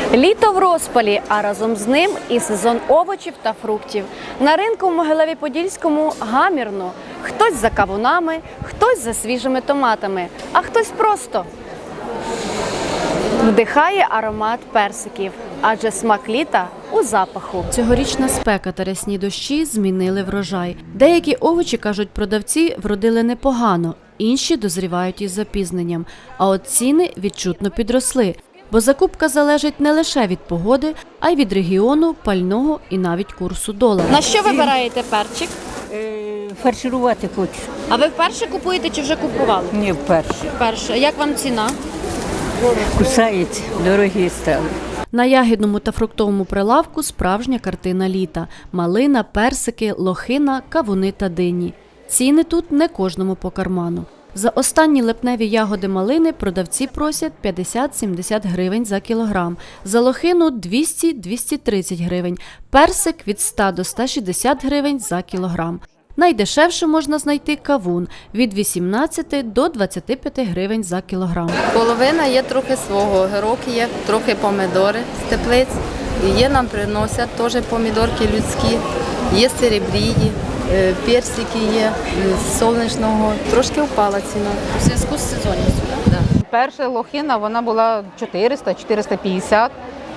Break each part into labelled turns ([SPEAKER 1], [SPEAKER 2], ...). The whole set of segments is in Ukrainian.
[SPEAKER 1] Літо в розпалі, а разом з ним і сезон овочів та фруктів. На ринку в Могилеві-Подільському гамірно. Хтось за кавунами, хтось за свіжими томатами, а хтось просто вдихає аромат персиків, адже смак літа у запаху. Цьогорічна спека та рясні дощі змінили врожай. Деякі овочі, кажуть продавці, вродили непогано, інші дозрівають із запізненням, а от ціни відчутно підросли. Бо закупка залежить не лише від погоди, а й від регіону, пального і навіть курсу долара. На що вибираєте перчик?
[SPEAKER 2] Фарширувати хочу.
[SPEAKER 1] А ви вперше купуєте чи вже купували?
[SPEAKER 2] Ні, вперше.
[SPEAKER 1] Вперше. Як вам ціна?
[SPEAKER 2] Кусається, дорогі стали.
[SPEAKER 1] На ягідному та фруктовому прилавку справжня картина літа. Малина, персики, лохина, кавуни та дині. Ціни тут не кожному по карману. За останні липневі ягоди малини продавці просять 50-70 гривень за кілограм, за лохину 200-230 гривень, персик від 100 до 160 гривень за кілограм. Найдешевше можна знайти кавун – від 18 до 25 гривень за кілограм.
[SPEAKER 3] Половина є трохи свого, огірок є, трохи помідори з теплиць. Є нам приносять теж помідорки людські, є серебрії, персики є, з сонячного. Трошки впала ціна.
[SPEAKER 1] У зв'язку з сезонністю, так?
[SPEAKER 3] Да.
[SPEAKER 4] Перша лохина, вона була 400-450.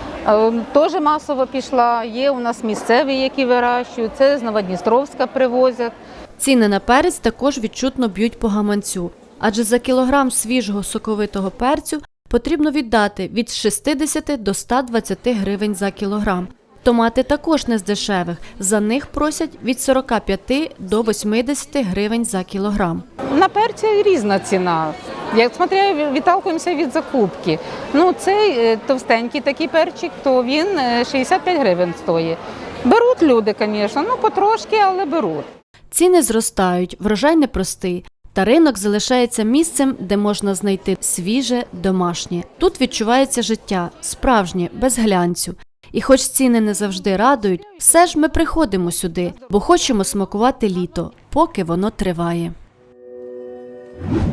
[SPEAKER 4] Теж масово пішла. Є у нас місцеві, які вирощують. Це з Новодністровська привозять.
[SPEAKER 1] Ціни на перець також відчутно б'ють по гаманцю. Адже за кілограм свіжого соковитого перцю потрібно віддати від 60 до 120 гривень за кілограм. Томати також не з дешевих. За них просять від 45 до 80 гривень за кілограм.
[SPEAKER 4] На перці різна ціна. Як смотря, відталкуємося від закупки. Цей товстенький такий перчик, то він 65 гривень стоїть. Беруть люди, звісно, потрошки, але беруть.
[SPEAKER 1] Ціни зростають, врожай непростий. Та ринок залишається місцем, де можна знайти свіже, домашнє. Тут відчувається життя, справжнє, без глянцю. І хоч ціни не завжди радують, все ж ми приходимо сюди, бо хочемо смакувати літо, поки воно триває.